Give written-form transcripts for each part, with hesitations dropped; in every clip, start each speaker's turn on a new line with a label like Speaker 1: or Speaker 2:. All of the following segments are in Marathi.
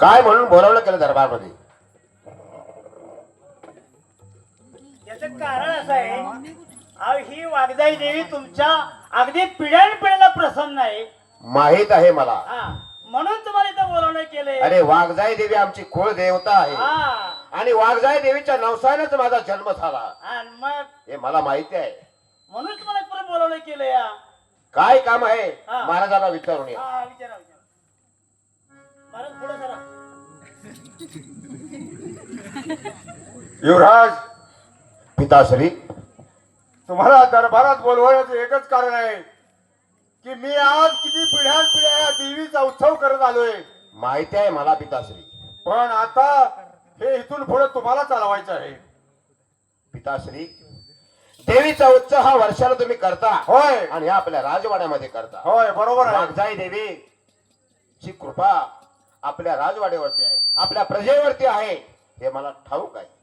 Speaker 1: काय म्हणून बोलावलं केलं दरबारमध्ये?
Speaker 2: याचं कारण असं आहे, अहो ही वागदाई देवी तुमच्या अगदी पिढ्यानपिढ्याला प्रसन्न आहे.
Speaker 1: माहित आहे मला.
Speaker 2: हा, म्हणून तुम्हाला इथं बोलवणं केलंय.
Speaker 1: अरे वाघजाई देवी आमची कुळ देवता आहे
Speaker 2: हा,
Speaker 1: आणि वाघजाई देवीच्या नवसानेच माझा जन्म झाला
Speaker 2: आणि मग
Speaker 1: हे मला माहिती आहे.
Speaker 2: म्हणून तुम्हाला परत बोलवणं केलंय. हा,
Speaker 1: काय काम आहे
Speaker 2: हा.
Speaker 1: महाराजांना विचारून या.
Speaker 2: विचारा विचारा. महाराज पुढे जरा.
Speaker 3: युवराज,
Speaker 1: पिताश्री,
Speaker 3: तुम्हाला दरबारात बोलवण्याचं एकच कारण आहे की मी आज किती पिढ्यानपिढ्या या देवीचा उत्सव करत आलोय.
Speaker 1: माहिती आहे मला पिताश्री.
Speaker 3: पण आता हे इथून पुढे तुम्हाला चालवायचं आहे.
Speaker 1: पिताश्री, देवीचा उत्सव हा वर्षाला तुम्ही करता.
Speaker 3: होय
Speaker 1: आणि ह्या आपल्या राजवाड्यामध्ये करता.
Speaker 3: होय, बरोबर आहे.
Speaker 1: वाघजाई देवी ची कृपा आपल्या राजवाड्यावरती आहे, आपल्या प्रजेवरती आहे हे मला ठाऊक आहे.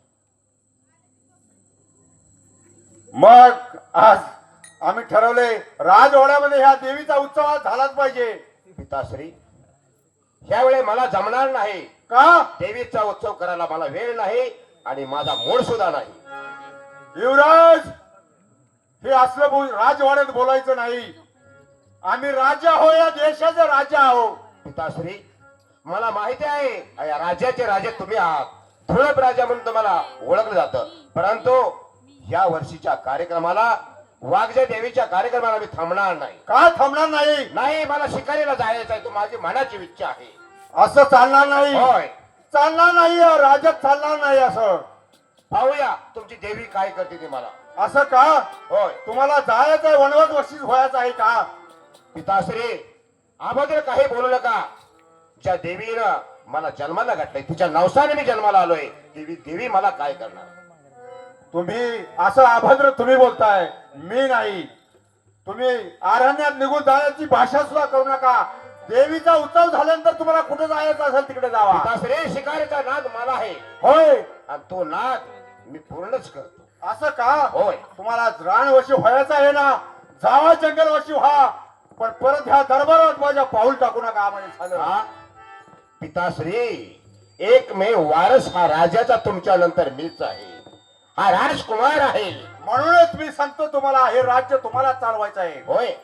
Speaker 3: मग आज आम्ही ठरवले राजवाड्यामध्ये ह्या देवीचा उत्सव आज झालाच पाहिजे.
Speaker 1: पिताश्री, ह्यावेळी मला जमणार नाही.
Speaker 3: का?
Speaker 1: देवीचा उत्सव करायला मला वेळ नाही आणि माझा मूड सुद्धा नाही.
Speaker 3: युवराज, हे असलं राजवाड्यात बोलायचं नाही. आम्ही राजा आहो, या देशाचे राजा आहो.
Speaker 1: पिताश्री, मला माहिती आहे या राज्याचे राजे तुम्ही आहात. धुळप राजा म्हणून तुम्हाला ओळखलं जातं. परंतु या वर्षीच्या कार्यक्रमाला, वाघजाई देवीच्या कार्यक्रमाला मी थांबणार नाही.
Speaker 3: का थांबणार नाही?
Speaker 1: नाही, मला शिकारीला जायचं आहे. तो माझी मनाची इच्छा आहे.
Speaker 3: असं चालणार नाही.
Speaker 1: होय,
Speaker 3: चालणार नाही, या राज्यात चालणार नाही. असं
Speaker 1: पाहूया तुमची देवी काय करते ते मला.
Speaker 3: असं का?
Speaker 1: होय
Speaker 3: तुम्हाला जायचं आहे, वनवास वर्षीच व्हायचं आहे का?
Speaker 1: पिताश्री, अगोदर काही बोलू नका. ज्या देवीनं मला जन्माला घातलंय, तिच्या नवसाने मी जन्माला आलोय. देवी मला काय करणार?
Speaker 3: तुम्ही असं अभद्र तुम्ही बोलताय, मी नाही. तुम्ही अरण्यात निघून जाण्याची भाषा सुद्धा करू नका. देवीचा उत्सव झाल्यानंतर तुम्हाला कुठे जायचं असेल तिकडे जावा.
Speaker 1: पिताश्री, शिकारीचा नाद मला आहे.
Speaker 3: होय,
Speaker 1: आणि तो नाद मी पूर्णच करतो.
Speaker 3: असं का?
Speaker 1: होय.
Speaker 3: तुम्हाला रानवशी व्हायचं आहे ना, जावा जंगलवशी व्हा. पण परत ह्या दरबारात माझ्या पाऊल टाकू नका. म्हणजे झालं.
Speaker 1: हा? पिताश्री, एकमेव वारस हा राजाचा तुमच्या नंतर मीच आहे. हा राजकुमार आहे.
Speaker 3: म्हणूनच मी सांगतो तुम्हाला, हे राज्य तुम्हाला चालवायचं आहे.
Speaker 1: होय,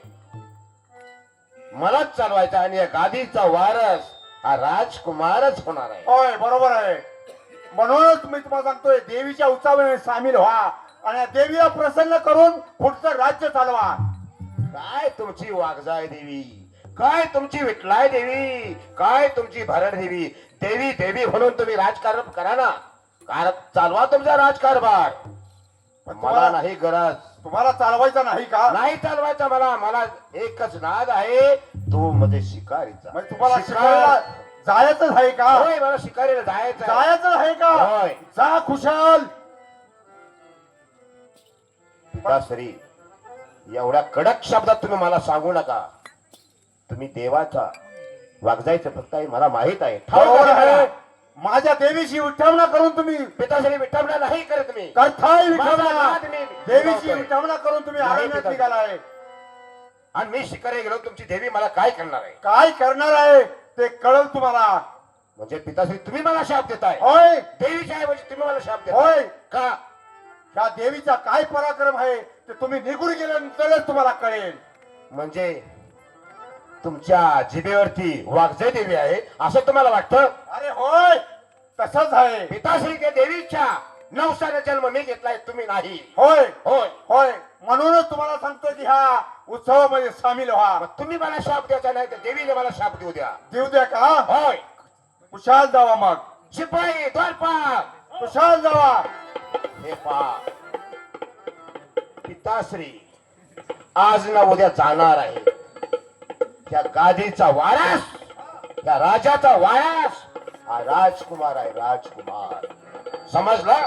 Speaker 1: मलाच चालवायचा आणि या गादीचा वारस हा राजकुमारच होणार आहे.
Speaker 3: होय, बरोबर आहे. म्हणूनच मी तुम्हाला सांगतोय, देवीच्या उत्सवामध्ये सामील व्हा आणि या देवीला प्रसन्न करून पुढचं राज्य चालवा.
Speaker 1: काय तुमची वाघजाई देवी, काय तुमची विठलाय देवी, काय तुमची भरड देवी. देवी देवी म्हणून तुम्ही राजकारण करा ना. चालवा तुमचा राजकारभार. मला नाही गरज.
Speaker 3: तुम्हाला चालवायचं नाही का?
Speaker 1: नाही चालवायचा मला. मला एकच नाद आहे, तो म्हणजे शिकारीचा.
Speaker 3: म्हणजे तुम्हाला शिकायला जायचंच आहे का?
Speaker 1: होय, मला शिकारीला जायचं आहे.
Speaker 3: जायचं आहे का?
Speaker 1: होय.
Speaker 3: जा खुशाल.
Speaker 1: पिताश्री, एवढ्या कडक शब्दात तुम्ही मला सांगू नका. तुम्ही देवाचा, वाघजाईचं फक्त आहे मला माहित आहे. ठाऊक
Speaker 3: बरोबर
Speaker 1: आहे मला.
Speaker 3: आहे. माझ्या देवीची विठ्ठवना करून तुम्ही
Speaker 1: पिताश्री, विठ्ठलना नाही करत मी.
Speaker 3: करताय
Speaker 1: माझा
Speaker 3: विठ्ठवना.
Speaker 1: नाद मी
Speaker 3: देवीची
Speaker 1: निभावतोय.
Speaker 3: विठ्ठवना करून तुम्ही
Speaker 1: नाही
Speaker 3: अरण्यात
Speaker 1: पिता.
Speaker 3: निघालाय.
Speaker 1: आणि मी शिकारी गेलो, तुमची देवी मला काय करणार आहे?
Speaker 3: काय करणार आहे ते कळल तुम्हाला.
Speaker 1: म्हणजे पिताश्री, तुम्ही मला शाप देताय.
Speaker 3: होय
Speaker 1: देवीच्या ऐवजी तुम्ही मला शाप देताय.
Speaker 3: होय.
Speaker 1: का?
Speaker 3: ह्या देवीचा काय पराक्रम आहे ते तुम्ही निघून गेल्यानंतरच तुम्हाला कळेल.
Speaker 1: म्हणजे तुमच्या जिभेवरती वाघजाई देवी आहे असं तुम्हाला वाटतं?
Speaker 3: अरे होय, तसंच आहे.
Speaker 1: पिताश्री, त्या देवीच्या नवसाने जन्म मी घेतलाय, तुम्ही नाही.
Speaker 3: होय
Speaker 1: होय,
Speaker 3: होय. म्हणूनच तुम्हाला सांगतो की ह्या उत्सवामध्ये सामील व्हा.
Speaker 1: मग तुम्ही मला शाप द्यायचा नाही तर देवीने मला शाप देऊ द्या.
Speaker 3: देऊ द्या का?
Speaker 1: होय.
Speaker 3: कुशाल जावा. मग
Speaker 1: शिपाई, द्वारपाल,
Speaker 3: कुशाल जावा.
Speaker 1: हे पहा पिताश्री, आज ना उद्या जाणार आहे. त्या गादीचा वारस, त्या राजाचा वारस हा राजकुमार आहे. राजकुमार, समजला?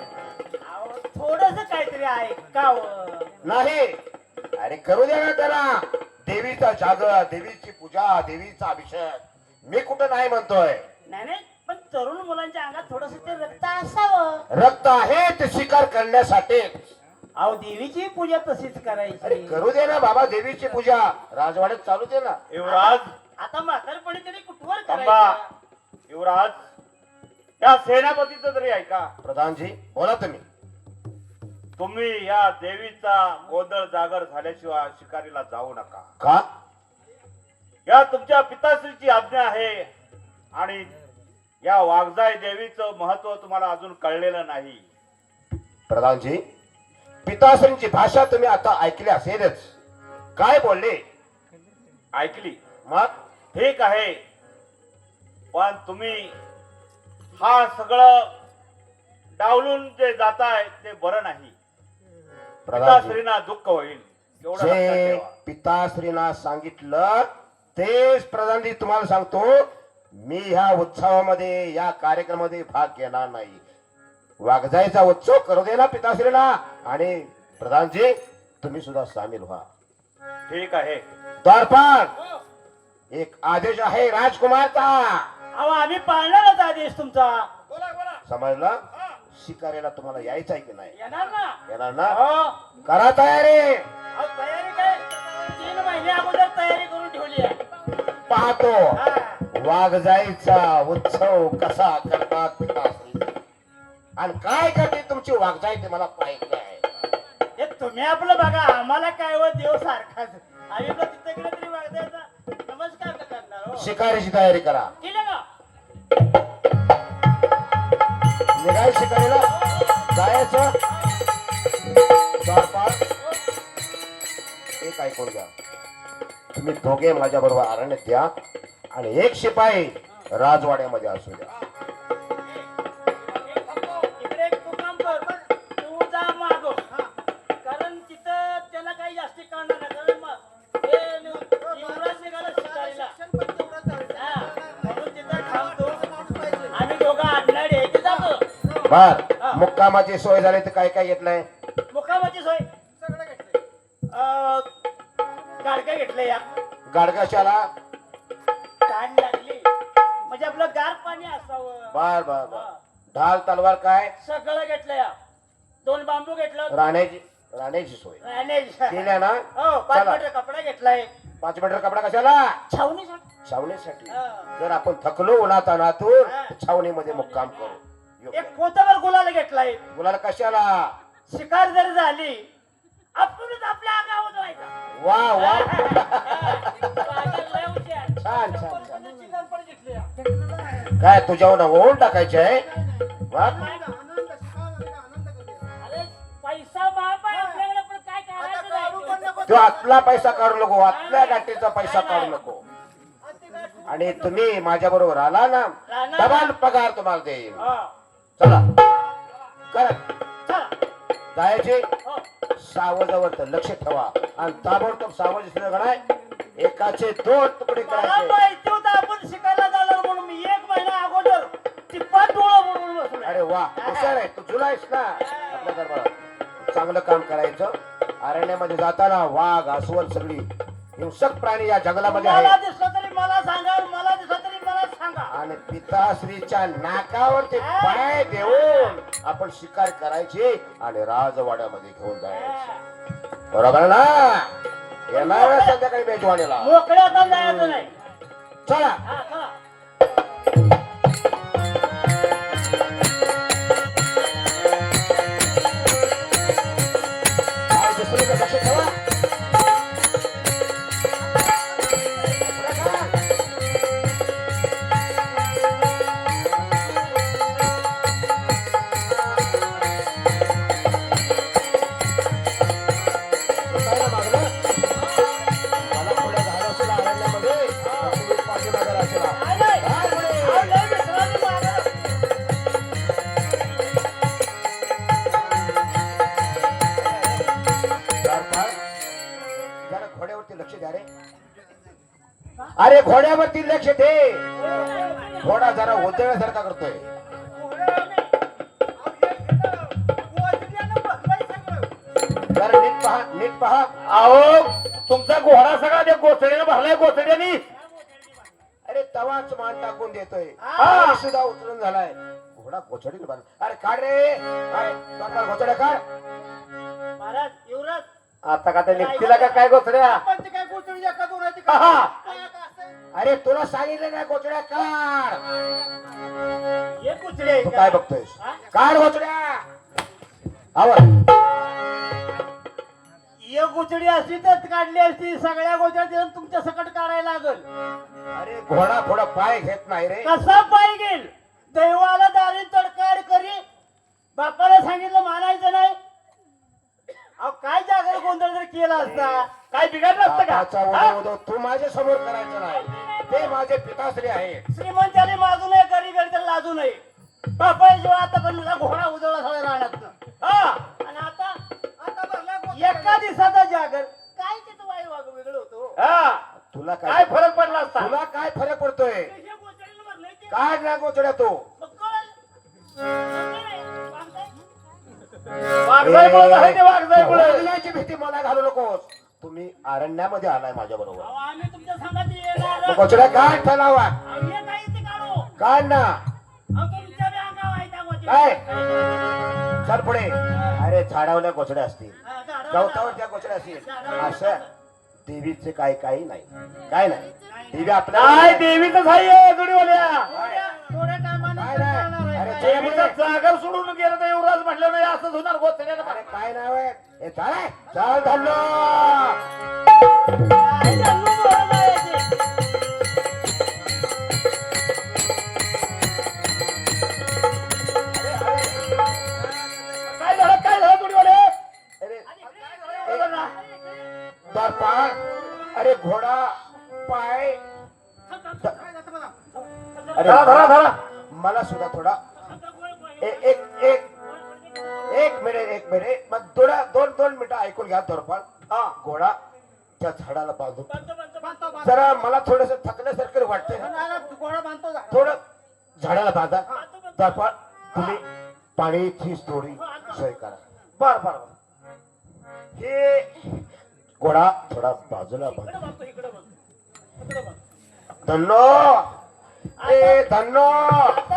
Speaker 2: थोडस काहीतरी आहे का?
Speaker 1: नाही, अरे करू द्या ना त्याला. देवीचा जागर, देवीची पूजा, देवीचा अभिषेक. मी कुठं नाही म्हणतोय.
Speaker 2: नाही नाही, पण तरुण मुलांच्या अंगात थोडस ते रक्त असावं.
Speaker 1: रक्त आहे ते शिकार करण्यासाठी.
Speaker 2: अहो, देवीची पूजा तशीच
Speaker 1: अरे
Speaker 2: करायची.
Speaker 1: करू दे ना बाबा, देवीची पूजा राजवाड्यात चालू दे ना.
Speaker 3: युवराज,
Speaker 2: आता म्हातारपणी तरी कुठवर
Speaker 3: थांबा.
Speaker 2: करायचं?
Speaker 4: युवराज, या सेनापतीचं तरी ऐका.
Speaker 1: प्रधानजी बोला तुम्ही.
Speaker 4: तुम्ही या देवीचा गोंधळ जागर झाल्याशिवाय शिकारीला जाऊ नका.
Speaker 1: का?
Speaker 4: या तुमच्या पिताश्रीची आज्ञा आहे आणि या वाघजाई देवीचं महत्व तुम्हाला अजून कळलेलं नाही.
Speaker 1: प्रधानजी पिताश्रींची भाषा तुम्ही आता ऐकली असेलच. काय बोलले?
Speaker 4: ऐकली?
Speaker 1: मग
Speaker 4: ठीक आहे, पण तुम्ही हा सगळं डावलून जे जाताय ते बरं नाही.
Speaker 1: प्रधानजी
Speaker 4: पिताश्रींना दुःख होईल एवढं लक्षात
Speaker 1: जे
Speaker 4: ठेवा.
Speaker 1: पिताश्रींना सांगितलं तेच प्रधानजी तुम्हाला सांगतो. मी ह्या उत्सवामध्ये या कार्यक्रमामध्ये भाग घेणार नाही. वाघजाईचा उत्सव करू दे ना पिताश्रीला. आणि प्रधानजी तुम्ही सुद्धा सामील व्हा.
Speaker 4: ठीक आहे.
Speaker 1: द्वारपाल एक आदेश आहे राजकुमारचा.
Speaker 2: अहो आम्ही पाळणारच आदेश तुमचा.
Speaker 1: समजला? शिकारीला तुम्हाला यायचं आहे की नाही?
Speaker 2: येणार ना?
Speaker 1: येणार ना?
Speaker 2: हो.
Speaker 1: करा तयारी.
Speaker 2: अहो, तयारी काय 3 महिने अगोदर तयारी करून ठेवली आहे.
Speaker 1: पाहतो
Speaker 2: हा.
Speaker 1: वाघजाईचा उत्सव कसा करतात पिताश्री आणि काय करते तुमची वाघजाई ते मला पाहिजे आहे.
Speaker 2: हे तुम्ही आपलं बघा, आम्हाला काय व देव सारखाच. आम्ही पण तिथे गेलं तरी वागदायचा नमस्कार का करणार हो.
Speaker 1: शिकारीची तयारी करा.
Speaker 2: केलं का?
Speaker 1: निघाय शिकारीला जायचं. द्वारपाल एक ऐकून घ्या. तुम्ही दोघे माझ्या बरोबर अरण्यात द्या आणि एक शिपाई राजवाड्यामध्ये असू द्या.
Speaker 2: इकडे एक तू काम कर, तू जा मागो. कारण तिथं त्याला काही जास्ती कळणार नाही. कारण मग हे युवराज निघाला शिकारीला. हा, म्हणून तिथं थांबतो. आम्ही दोघं आडनाडी आहे ते जातो.
Speaker 1: बर मुक्कामाची सोय झाली तर काय काय घेतलंय?
Speaker 2: मुक्कामाची सोय सगळं घेतलंय. गाडका घेतलं या.
Speaker 1: गाडगाशाला
Speaker 2: ताण लागली म्हणजे आपलं गार पाणी असावं.
Speaker 1: बर बर बर. ढाल तलवार काय?
Speaker 2: सगळं घेतलं या. 2 बांबू घेतलं.
Speaker 1: राहण्याची सोय केल्या ना?
Speaker 2: हो 5
Speaker 1: चला.
Speaker 2: मीटर कपडा घेतलाय.
Speaker 1: 5 मीटर कपडा कशाला?
Speaker 2: छावणीसाठी.
Speaker 1: छावणीसाठी.
Speaker 2: हा.
Speaker 1: जर आपण थकलो उन्हातानातून
Speaker 2: हा.
Speaker 1: छावणीमध्ये मुक्काम करू. योग्य.
Speaker 2: एक पोतावर गुलाल घेतलाय.
Speaker 1: मुलाला कशाला?
Speaker 2: शिकार जर झाली आपणच आपल्या अंगावर व्हायचा.
Speaker 1: वा वा
Speaker 2: छान
Speaker 1: छान छान छान. काय तुझ्यावर ओढ टाकायचे आहे? वा.
Speaker 2: पैसा माप आहे आपल्याकडे, पण काय करायचं नाही.
Speaker 1: तो आतला पैसा काढू नको. आतल्या गाठीचा पैसा काढू नको. आणि तुम्ही माझ्या बरोबर आला ना डबल पगार तुम्हाला देईल.
Speaker 2: हा.
Speaker 1: चला करा.
Speaker 2: चला.
Speaker 1: जायचे
Speaker 2: हो.
Speaker 1: सावजावर तर लक्ष ठेवा आणि ताबडतोब सावज दिसलं का नाही एकाचे 2 तुकडे
Speaker 2: मला
Speaker 1: करायचे.
Speaker 2: माहिती होतं आपण शिकायला जाणार म्हणून मी 1 महिना अगोदर टिप्पा डोळा म्हणून बसलो.
Speaker 1: अरे वा हुशार आहे तू. जुलायस ना आपल्या दरबारात. चांगलं काम करायचं. अरण्यामध्ये जाताना वाघ अस्वल सगळी हिंसक प्राणी या जंगलामध्ये
Speaker 2: मला
Speaker 1: आहे.
Speaker 2: दिसलं तरी मला सांगा, मला दिसलं तरी मला सांगा.
Speaker 1: आणि पिताश्रीच्या नाकावरती पाय देऊन आपण शिकार करायची आणि राजवाड्यामध्ये घेऊन जायचं. बरोबर ना? येणार ना संध्याकाळी मेजवानीला.
Speaker 2: मोकळ्या आता जायचं नाही.
Speaker 1: चला.
Speaker 2: हा, चला.
Speaker 1: काय दिसलं का लक्ष ठेवा.
Speaker 2: नाही, नाही. अहो, लय मित्रांनी मागं.
Speaker 1: जरा घोड्यावरती लक्ष द्या रे. अरे घोड्यावरती लक्ष दे. घोडा जरा उद्योगासारखा करतोय. जरा नीट पहा नीट पहा.
Speaker 4: अहो तुमचा घोडा सगळा त्या गोचड्याने भरलाय. गोचड्यानी
Speaker 1: अरे तवाच मान टाकून देतोय.
Speaker 2: हा.
Speaker 1: सुद्धा उचलून झालाय. घोडा गोचडी अरे काढ रे. काय घोचड्या काढ.
Speaker 2: महाराज युवराज
Speaker 4: आता का त्या निघतीला का काय गोचड्या?
Speaker 2: आपण ते काय गोष्टी एका दोनाची
Speaker 4: हा.
Speaker 2: काय असं?
Speaker 1: अरे तुला सांगितलं नाही गोचड्या काढ.
Speaker 2: हे कुचडे आहे
Speaker 1: तू
Speaker 2: का?
Speaker 1: काय बघतोयस?
Speaker 2: हा?
Speaker 1: काढ गोचड्या. आवर.
Speaker 2: एक गोचडी असती तर काढली असती, सगळ्या गोचड्या देऊन तुमच्या सकट काढायला लागल.
Speaker 1: अरे घोडा थोडा पाय घेत नाही रे.
Speaker 2: कसा पाय गेल? दैवाला दारी तडकाड करी, बापाला सांगितलं मानायचं नाही. अहो काय जागर गोंधळ जर केला असता, काय बिघडलं असतं
Speaker 1: बापाचा
Speaker 2: का?
Speaker 1: उदो तू माझ्या समोर करायचं नाही. ते माझे पिताश्री आहे.
Speaker 2: श्रीमंताने माजू नये, गरीब तर लाजू नये. बापा जेव्हा आता पण मला घोडा उजवला सगळ्या राहण्यात. हा आणि आता एका दिवसाचा जागर काय तिथं वाई वाग वेगळं होतो.
Speaker 4: हा
Speaker 1: तुला
Speaker 4: काय
Speaker 1: काय
Speaker 4: फरक पडला असता?
Speaker 1: तुला काय फरक पडतोय?
Speaker 2: हे गोचडीला भरलंय ते.
Speaker 1: काढ ना गोचड्या तू.
Speaker 2: मग कळलं. बांधताय?
Speaker 4: वाघजाईमुळे झालं ते वाघजाईमुळे.
Speaker 1: वाघजाईची भीती मला घालू नकोस. तुम्ही अरण्यामध्ये आलाय माझ्या बरोबर.
Speaker 2: अहो, आम्ही तुमच्या संगात येणार.
Speaker 1: गोचड्या काढ फैलावा.
Speaker 2: आम्ही काय इथे काढू?
Speaker 1: काढ ना.
Speaker 2: अहो, तुमच्या बी अंगावर आहे त्या गोचड्या.
Speaker 1: काय? चल पुढे. अरे झाडावल्या गोचड्या असतील,
Speaker 2: हा, झाडावर
Speaker 1: गवतावर त्या गोचड्या असतील. असं देवीचे काही नाही. काय नाही. देवी
Speaker 4: काय
Speaker 1: आपल्या
Speaker 4: देवीच आहे जोडीवाल्या.
Speaker 2: थोड्या टायमाने
Speaker 1: काय
Speaker 2: करणार
Speaker 1: नाही.
Speaker 2: आहे.
Speaker 1: अरे
Speaker 4: देवीचा
Speaker 1: देवीचं
Speaker 4: जागर सोडून गेलं तर युवराज म्हटलं नाही असंच होणार गोचड्यानं.
Speaker 1: अरे काय नाव आहे? हे चाल चाल धरलो.
Speaker 2: काय झालं बोलायला यायचे?
Speaker 4: काय झालं जोडीवाले?
Speaker 1: अरे दर्पण. अरे घोडा पाय. अरे
Speaker 4: धरा.
Speaker 1: मला सुद्धा थोडा एक एक एक मिनिट मग दोन मिनिटं ऐकून घ्या दर्पण.
Speaker 4: हा.
Speaker 1: घोडा त्या झाडाला बांधून
Speaker 2: बांधतो.
Speaker 1: जरा मला थोडस थकल्यासारखं वाटतंय.
Speaker 2: घोडा बांधतो जा.
Speaker 1: थोडं झाडाला बांधा. दर्पण तुम्ही पाणीची थोडी सोय करा.
Speaker 4: बर.
Speaker 1: हे घोडा थोडा बाजूला बांधा.
Speaker 2: इकडं बांधतो, इकडं बांधतो.
Speaker 1: धन्नो. ए धन्नो.